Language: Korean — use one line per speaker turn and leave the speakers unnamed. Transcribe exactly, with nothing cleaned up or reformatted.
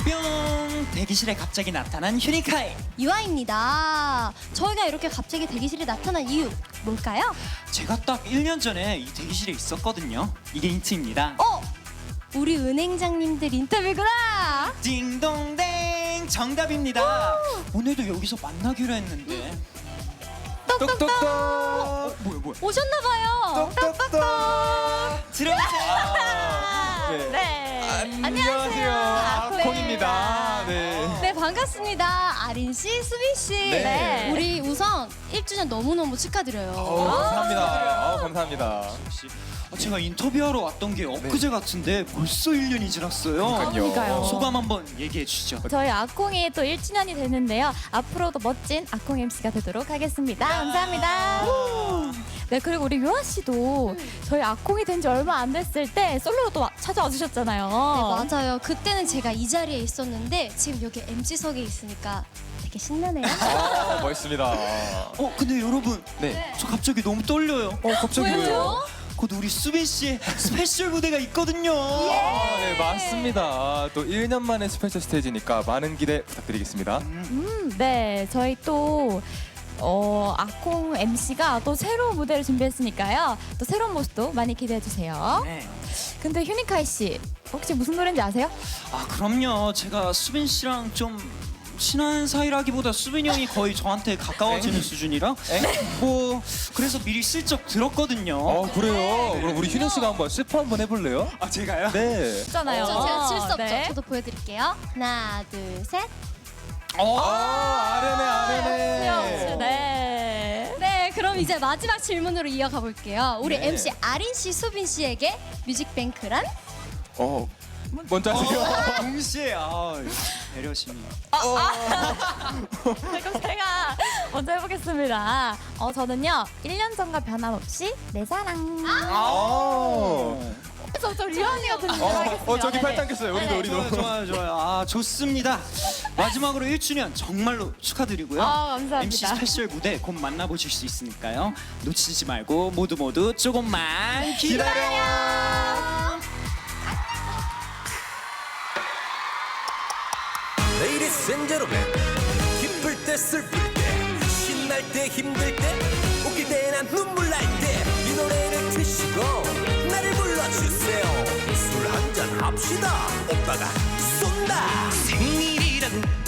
뿅! 대기실에 갑자기 나타난 휴니카이.
유아입니다. 저희가 이렇게 갑자기 대기실에 나타난 이유 뭘까요?
제가 딱 일 년 전에 이 대기실에 있었거든요. 이게 힌트입니다.
어? 우리 은행장님들 인터뷰구나.
딩동댕 정답입니다. 오늘도 여기서 만나기로 했는데.
똑똑똑.
어, 뭐야 뭐야?
오셨나봐요.
똑똑똑. 들어오세요.
네.
네.
안녕하세요. 아콩입니다. 네.
네, 반갑습니다. 아린 씨, 수빈 씨.
네.
우리 우선 일 주년 너무너무 축하드려요.
어, 감사합니다. 어, 감사합니다.
역시. 아, 제가 인터뷰하러 왔던 게 엊그제 같은데 벌써 일 년이 지났어요.
그러니까요.
그러니까요.
소감 한번 얘기해 주시죠.
저희 아콩이 또 일 주년이 됐는데요. 앞으로도 멋진 아콩 엠씨가 되도록 하겠습니다. 감사합니다. 네, 그리고 우리 유아 씨도 저희 아콩이 된 지 얼마 안 됐을 때 솔로로 또 와- 찾아와 주셨잖아요.
네, 맞아요. 그때는 제가 이 자리에 있었는데 지금 여기 엠씨석에 있으니까 되게 신나네요.
아, 멋있습니다.
어 근데 여러분,
네.
저 갑자기 너무 떨려요.
어, 갑자기 왜요?
곧 우리 수빈 씨의 스페셜 무대가 있거든요.
아, 네, 맞습니다. 또 일 년 만에 스페셜 스테이지니까 많은 기대 부탁드리겠습니다.
음, 네, 저희 또 어, 아콩 엠씨가 또 새로운 무대를 준비했으니까요. 또 새로운 모습도 많이 기대해 주세요.
네.
근데 휴니카이 씨, 혹시 무슨 노래인지 아세요?
아 그럼요. 제가 수빈 씨랑 좀 친한 사이라기보다 수빈이 형이 거의 저한테 가까워지는 수준이라 뭐 그래서 미리 슬쩍 들었거든요.
어, 그래요? 그럼 우리 휴년 씨가 한번 스포 한번 해볼래요?
아 제가요?
네.
있잖아요.
저 제가 칠 수 없죠.
네.
저도 보여드릴게요. 하나, 둘, 셋.
어.
아, 아련해, 아련해.
네.
네, 그럼 이제 마지막 질문으로 이어가 볼게요. 우리
네.
엠씨 아린 씨, 수빈 씨에게 뮤직뱅크란?
어, 먼저 하세요.
동시에 아 배려심이.
네, 그럼 제가 먼저 해보겠습니다. 어, 저는요, 일 년 전과 변함없이 내 사랑.
아.
저, 저 리언이가 듣는
어,
거 하겠습니다.
어, 저기
네.
팔짱 꼈어요. 우리도,
네.
우리도.
좋아요, 좋아요, 좋아요. 아 좋습니다. 마지막으로 일 주년 정말로 축하드리고요.
아, 감사합니다.
엠씨 스페셜 무대 곧 만나보실 수 있으니까요. 놓치지 말고 모두 모두 조금만 기다려.
Ladies and gentlemen, 기쁠 때 슬플 때 신날 때 힘들 때 웃길 때나 눈물 날 때 이 노래를 드시고 나를 불러주세요. 술 한잔 합시다. 오빠가 쏜다.
생일이라고